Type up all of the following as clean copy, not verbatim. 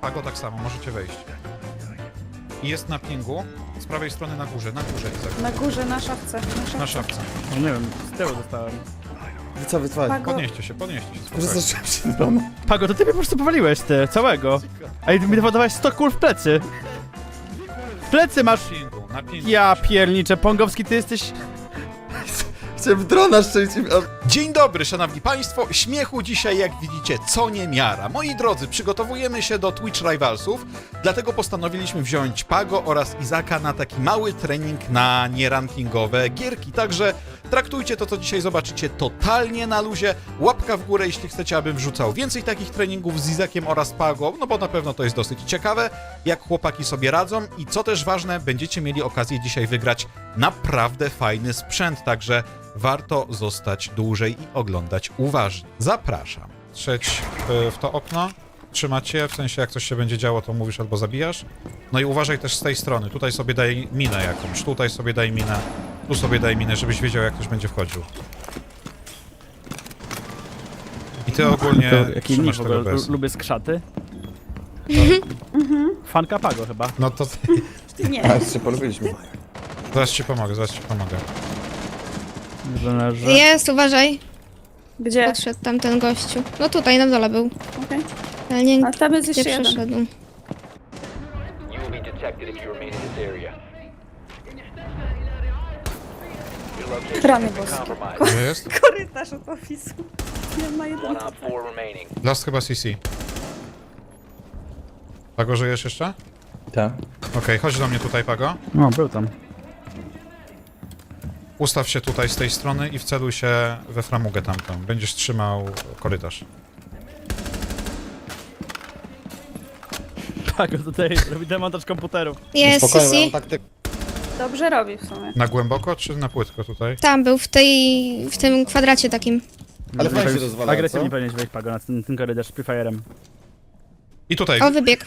Pago tak samo, możecie wejść. I jest na pingu, z prawej strony na górze, Izak. Na górze, na szafce. Na szafce. No nie wiem, z tyłu dostałem. Wycofaj. Pago. Podnieście się, spokojnie. Przestraszyłem się z domu. Pago, to ty mnie po prostu powaliłeś, ty, całego. A i mi dowodowałeś 100 kul w plecy. W plecy masz... Na pingu. Ja pierniczę, Pongowski, ty jesteś... Chciałem drona szczęście. Dzień dobry, szanowni państwo. Śmiechu dzisiaj, jak widzicie, co niemiara. Moi drodzy, przygotowujemy się do Twitch Rivalsów, dlatego postanowiliśmy wziąć Pago oraz Izaka na taki mały trening na nierankingowe gierki. Także traktujcie to, co dzisiaj zobaczycie, totalnie na luzie. Łapka w górę, jeśli chcecie, abym wrzucał więcej takich treningów z Izakiem oraz Pago, no bo na pewno to jest dosyć ciekawe, jak chłopaki sobie radzą i co też ważne, będziecie mieli okazję dzisiaj wygrać naprawdę fajny sprzęt, także warto zostać dłużej i oglądać uważnie. Zapraszam. Trzeć w to okno, trzymać się, w sensie jak coś się będzie działo, to mówisz albo zabijasz. No i uważaj też z tej strony, tutaj sobie daj minę jakąś, tutaj sobie daj minę, tu sobie daj minę, żebyś wiedział, jak ktoś będzie wchodził. I ty ogólnie Jaki trzymasz w tego ogóle, bez. lubię skrzaty. Fanka Pago chyba. No to Nie. A, się polubiliśmy. zaraz ci pomogę, Że... Jest, uważaj. Gdzie? Podszedł tamten gościu. No tutaj, na dole był. Okej. Ale nie A tam jest gdzie jeszcze jeden. przeszedł. You will be detected if you remain in this area. Your location Rany has been boskie. compromised. Gdzie jest? Korytarz od ofisu. Nie ma jeden. One op 4 remaining. Last chyba CC. Pago, żyjesz jeszcze? Tak. Okej, chodź do mnie tutaj, Pago. No, był tam. Ustaw się tutaj z tej strony i wceluj się we framugę tamtą. Będziesz trzymał korytarz. Pago tutaj robi demontaż komputerów. Jest Spokojnie, CC. mam taktykę. Dobrze robi w sumie. Na głęboko czy na płytko tutaj? Tam był, w tym kwadracie takim. Ale fajnie się rozwala, Agresywnie co? powinieneś wejść, Pago, na ten korytarz z Prefire'em. I tutaj. O, wybieg.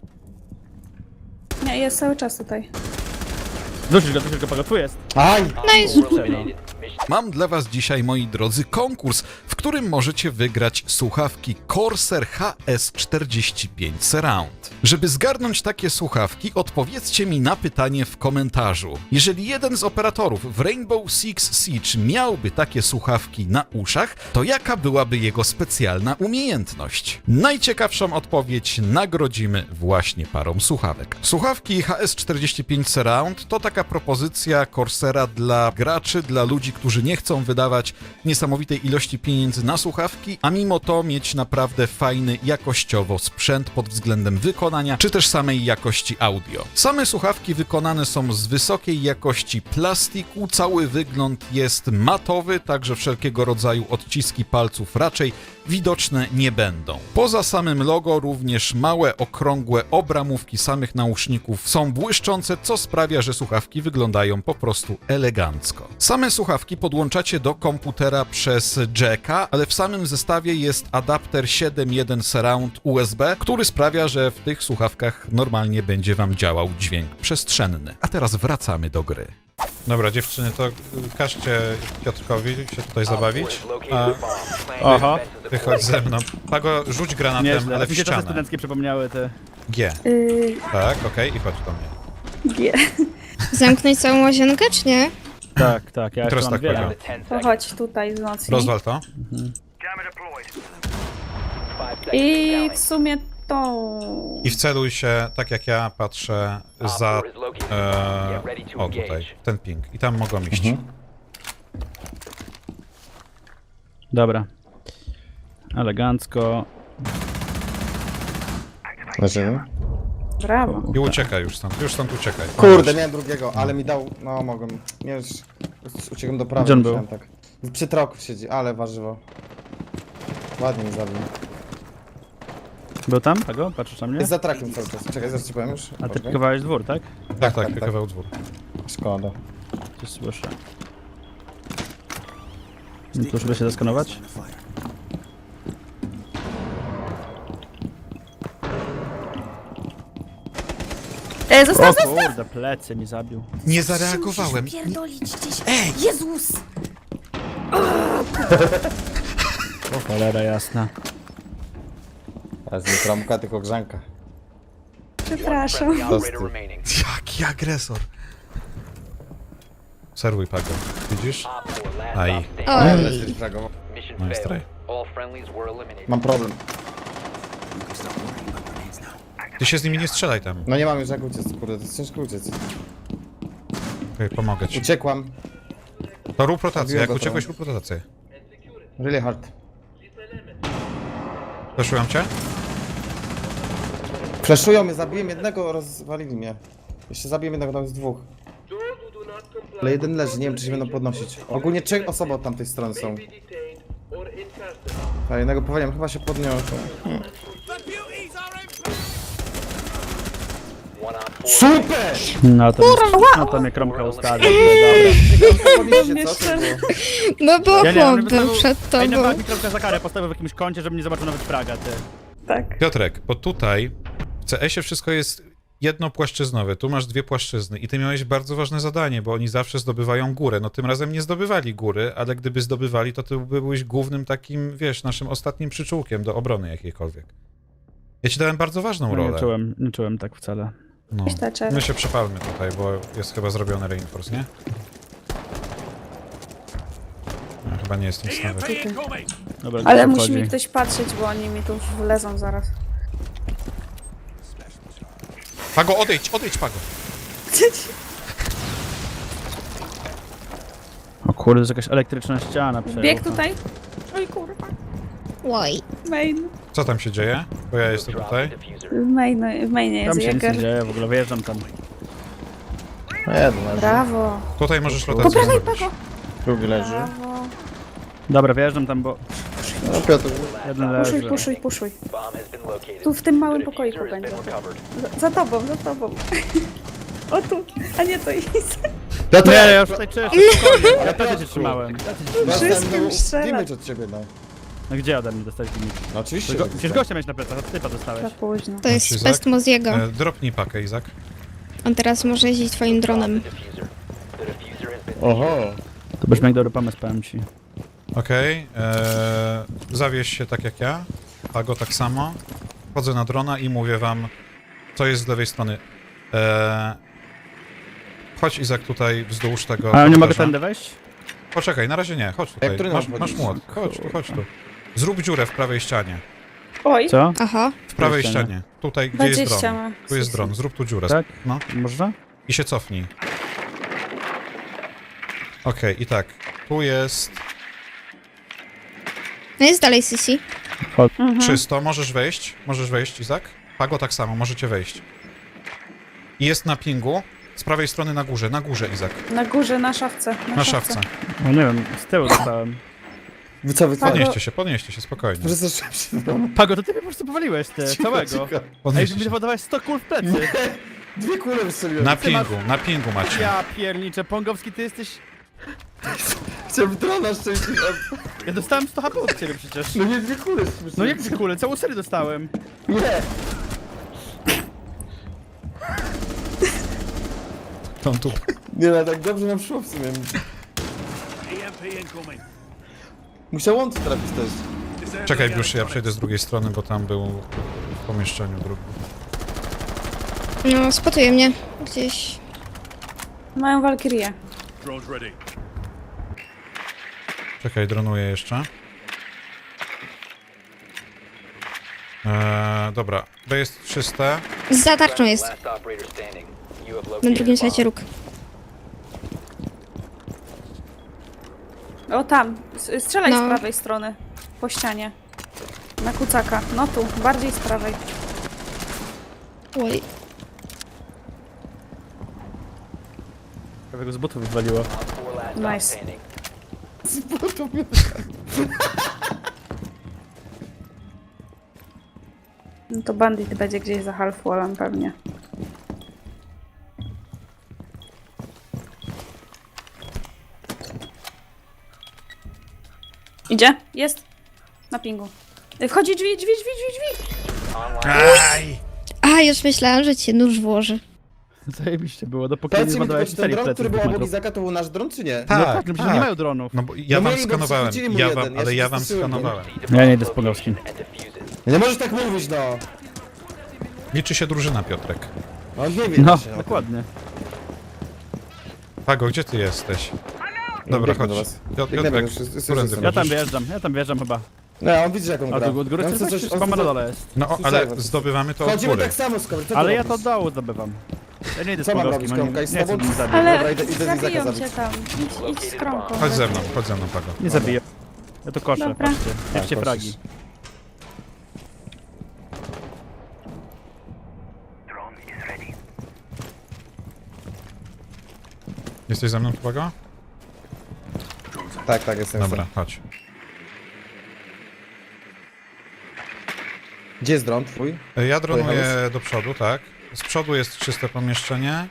Nie, jest cały czas tutaj. Dusisz go, Pago, tu jest. Aj! No i Eliminated. Mission Mam dla was dzisiaj, moi drodzy, konkurs, w którym możecie wygrać słuchawki Corsair HS45 Surround. Żeby zgarnąć takie słuchawki, odpowiedzcie mi na pytanie w komentarzu. Jeżeli jeden z operatorów w Rainbow Six Siege miałby takie słuchawki na uszach, to jaka byłaby jego specjalna umiejętność? Najciekawszą odpowiedź nagrodzimy właśnie parą słuchawek. Słuchawki HS45 Surround to taka propozycja Corsaira dla graczy, dla ludzi, którzy nie chcą wydawać niesamowitej ilości pieniędzy na słuchawki, a mimo to mieć naprawdę fajny, jakościowo sprzęt pod względem wykonania, czy też samej jakości audio. Same słuchawki wykonane są z wysokiej jakości plastiku, cały wygląd jest matowy, także wszelkiego rodzaju odciski palców raczej widoczne nie będą. Poza samym logo również małe, okrągłe obramówki samych nauszników są błyszczące, co sprawia, że słuchawki wyglądają po prostu elegancko. Same słuchawki podłączacie do komputera przez jacka, ale w samym zestawie jest adapter 7.1 Surround USB, który sprawia, że w tych słuchawkach normalnie będzie wam działał dźwięk przestrzenny. A teraz wracamy do gry. Dobra, dziewczyny, to każcie Piotrkowi się tutaj zabawić, has located a a bomb. Plan Aha. your defenses ty chodź accordingly. ze mną. Pago, rzuć granatem, Nieźle, ale w mi się czasy ścianę. studenckie przypomniały te... G. Tak, okej, i chodź do mnie. G. Zamknąć całą łazienkę, czy nie? Tak, ja Teraz jeszcze mam tak wiele. powiem. Down to 10 To seconds. chodź tutaj wzmocnij. Rozwal to. 5 seconds I counting. w sumie tą... I wceluj się, tak jak ja patrzę, Op za... 4 is located. Get ready to o, tutaj, engage. ten ping. I tam mogą iść. Dobra. Elegancko. Leżymy. Brawo. I uciekaj już stąd uciekaj. Kurde, miałem drugiego, ale mi dał... No, mogłem... Nie już... Uciekłem do prawej, Gdzie on musiałem był? tak. Przy troku siedzi, ale warzywo. Ładnie mi zabił. Był tam, Pago? Patrzysz na mnie? Jest za trakiem cały czas. Czekaj, zaraz ci powiem już. A ty Poczekaj. pikowałeś dwór, tak? Tak, tak. pikował dwór. Szkoda. Coś słyszę. Tu żeby się zaskanować? Zostaw! O kurde, plecy mi zabił. Nie zareagowałem. Pierdolić gdzieś. Ej! Jezus! O cholera jasna. A z nie trąbka, tylko grzanka. Przepraszam. Friendly operator remaining. Jaki agresor. Serwuj, Pago. Widzisz? Op 4, last Aj. stop standing. Oj. Jesteś fragą. Mission No jest failed. traj. All friendlies were eliminated. Mam problem. Ty się z nimi nie strzelaj tam. No nie mam już jak uciec, kurde, to jest ciężko uciec. Okej, pomogę ci. Uciekłam. To rób rotację, Zabiłem jak go uciekłeś, tam. rób rotację. Really hard. Fleszują cię? Flashują mnie, zabiłem jednego, rozwalili mnie. Jeszcze zabiłem jednego, tam jest dwóch. Ale jeden leży, nie wiem czy się będą podnosić. Ogólnie 3 osoby od tamtej strony są. A jednego powaliłem, chyba się podniosą. One on 4. Super! No to mnie kromka ustawi. Dobra. Podnieście, co to było? No bo Ja nie, on chłop był wystawił- przed Ej, tobą. nawet mi kromka za karę postawił w jakimś kącie, żeby nie zobaczył nawet fraga, ty. Tak. Piotrek, bo tutaj w CS-ie wszystko jest jednopłaszczyznowe, tu masz 2 płaszczyzny i ty miałeś bardzo ważne zadanie, bo oni zawsze zdobywają górę. No tym razem nie zdobywali góry, ale gdyby zdobywali, to ty byłeś głównym takim, wiesz, naszym ostatnim przyczółkiem do obrony jakiejkolwiek. Ja ci dałem bardzo ważną No, rolę. nie czułem tak wcale. No. Thatcher. My się przepalmy tutaj, bo jest chyba zrobiony reinforce, nie? Ja chyba nie jest nic nawet. Dobra, Ale to musi wchodzi. mi ktoś patrzeć, bo oni mi tu wlezą zaraz. Pago, odejdź, Pago! O kurde, to jest jakaś elektryczna ściana. Bieg przejechała. tutaj. Oj kurwa. Oj. Main. Co tam się dzieje? Bo ja jestem Drop tutaj. the diffuser. W mainie Tam jest się nic nie Jäger. dzieje, w ogóle wyjeżdżam tam. Jeden leży, Brawo. Tutaj możesz Po rotację prawej, zrobić. Pago. drugi leży. Brawo. Dobra, wyjeżdżam tam, bo No Piotr, jeden leży. Puszuj. Bomb has been located. Tu w tym małym The pokoiku diffuser has będzie. been recovered. Za tobą. O tu, a nie to jest. Nie, ja już tutaj czyszczę, spokojnie. Ja wtedy cię trzymałem. Wszystkim strzela. damage od ciebie, no. No gdzie ode mnie dostać limit? No oczywiście. Przecież gościa miałeś na plecach, od typa dostałeś. Za późno. To jest Izak? best Moziego. Dropnij pakę, Izak. On teraz może jeździć twoim dronem. The diffuser. The diffuser has been Oho. To brzmi jak dobry pomysł, powiem ci. Okej, zawieź się tak jak ja. Pago tak samo. Wchodzę na drona i mówię wam, co jest z lewej strony. Chodź, Izak, tutaj wzdłuż tego A nie mogę korytarza. tędy wejść? Poczekaj, na razie nie, chodź tutaj. którym Masz mam młot. chodzić? Chodź tu. Zrób dziurę w prawej ścianie. Oj. Co? Aha. W prawej ścianie? ścianie. Tutaj, gdzie jest 20 dron. ma. Tu jest dron, zrób tu dziurę. Tak? No. Można? I się cofnij. Okej, i tak. Tu jest No jest dalej Sisi. czysto. Możesz wejść, Izak. Pago tak samo, możecie wejść. I jest na pingu. Z prawej strony na górze, Izak. Na górze, na szafce. Na szafce. No nie wiem, z tyłu dostałem. Wy co, Podnieście się, spokojnie. Przestraszyłem się w domu. Pago, to ty mnie po prostu powaliłeś, ty, całego. Ej, Podnieście że mi się. podawałeś 100 kul w plecy. 2 kule wystrzeliłem. Na pingu macie. Ja pierniczę, Pongowski, ty jesteś... Chciałem drona szczęśliwie. Ja dostałem 100 HP od ciebie przecież. No nie 2 kule. No jak 3 kule, całą serię dostałem. Nie. On tu. Nie, no tak dobrze nam szło w sumie. Musiał on trafić też. Czekaj, już ja przejdę z drugiej strony, bo tam był w pomieszczeniu drugim. No, spotuje mnie. Gdzieś. Mają walkirię. Czekaj, dronuję jeszcze. Dobra, to jest czyste. Za tarczą jest. Last operator standing. You have Na located drugim a sajcie bomb. róg. O tam. Strzelaj No. z prawej strony. Po ścianie. Na kucaka. No tu, bardziej z prawej. Oj. Prawie go z butów wywaliło. Op 4 last stop Nice. standing. No to bandit będzie gdzieś za half wallem pewnie. Idzie? Jest. Na pingu. Wchodzi drzwi. Aj! A, już myślałam, że cię nóż włoży. Zajebiście było, dopóki nie Powiedzcie mi tylko, zbadałeś czy ten serii dron, plecy który z był 2 obok metrów. Izaka, to był nasz dron, czy nie? No tak, no przecież nie mają dronów. No bo ja No wam mieli, bo skanowałem. przechwycili mu Ja jeden, wam, ja ale się ja wam przestraszyłem, nie? skanowałem. Ja nie idę z Pongowskim. And defuse it. Nie możesz tak mówić, no. Liczy się drużyna, Piotrek. No nie wiem No, właśnie o tym. dokładnie. Pago, gdzie ty jesteś? No, Dobra, biegnę chodź. do was. Piotrek, Biegnę, już jest- którędy jest- chodzisz? Ja tam wjeżdżam chyba. No, on widzi jaką A gra. tu od góry Ja chcesz chcę coś? coś- Chyba na dole jest. No, Słyszałem, ale że- zdobywamy to od Chodzimy góry. tak samo, Skobry, co Ale ty ja to robisz? od dołu zdobywam. Ja nie idę z Co mam Pogowskim, robić, nie Kromka? I z chcę tobą? mnie zabić. Ale Dobra, idę Izaka zabiją zabić. cię tam. Idź z kromką. Chodź ze mną, Pago. Nie zabiję. Ja to koszę, Dobra. patrzcie. Bierzcie Tak, fragi. koszysz. Jesteś ze mną, Pago? Tak, jestem. Dobra, chodź. Gdzie jest dron twój? Ja dronuję Pojechałeś? do przodu, tak. Z przodu jest czyste pomieszczenie.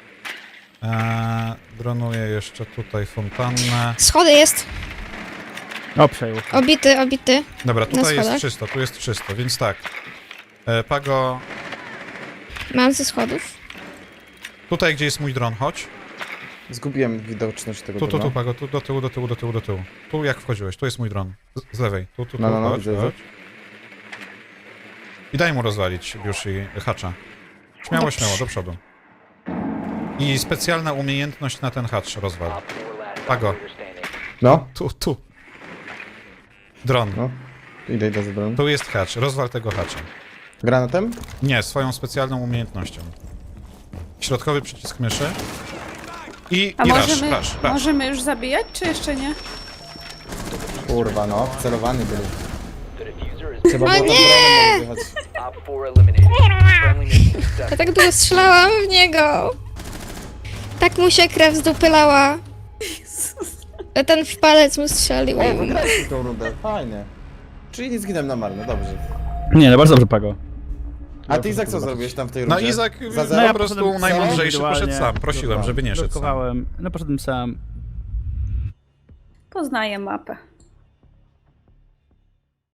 Dronuję jeszcze tutaj fontannę. Schody jest. O, przejął. Obity. Dobra, tutaj jest schodach? czysto, tu jest czysto, więc tak. Pago, Mam ze schodów. tutaj gdzie jest mój dron, chodź. Zgubiłem widoczność tego Tu, drona. Pago, tu do tyłu. Tu jak wchodziłeś, tu jest mój dron. Z lewej, tu, No, chodź, widzę. chodź. I daj mu rozwalić już i hacza. Śmiało, Dobrze. do przodu. I specjalna umiejętność na ten hacz rozwal. Op 4 last Pago. operator standing. No, Tu. Dron. no. Idę za dron. Tu jest hacz, rozwal tego hacza. Granatem? Nie, swoją specjalną umiejętnością. Środkowy przycisk myszy. I A rush. możemy już zabijać, czy jeszcze nie? Kurwa, no. Wcelowany był. The diffuser is Trzeba O było tam nie! dronem wyjechać. Op 4 eliminated. Friendly mission success. Ja tak długo strzelałam w niego. Tak mu się krew zdupylała. A ten w palec mu strzelił. O, wygraliśmy tą rundę. Fajnie. Czyli nie zginąłem na marne, dobrze. Nie, no bardzo dobrze, Pago. A ty, Izak, co zrobiłeś tam w tej No rundzie? Izak Za po zero? prostu poszedłem najmądrzejszy indywidualnie. poszedł sam. Prosiłem, żeby nie szedł sam. Blokowałem. No poszedłem sam. Poznaję mapę.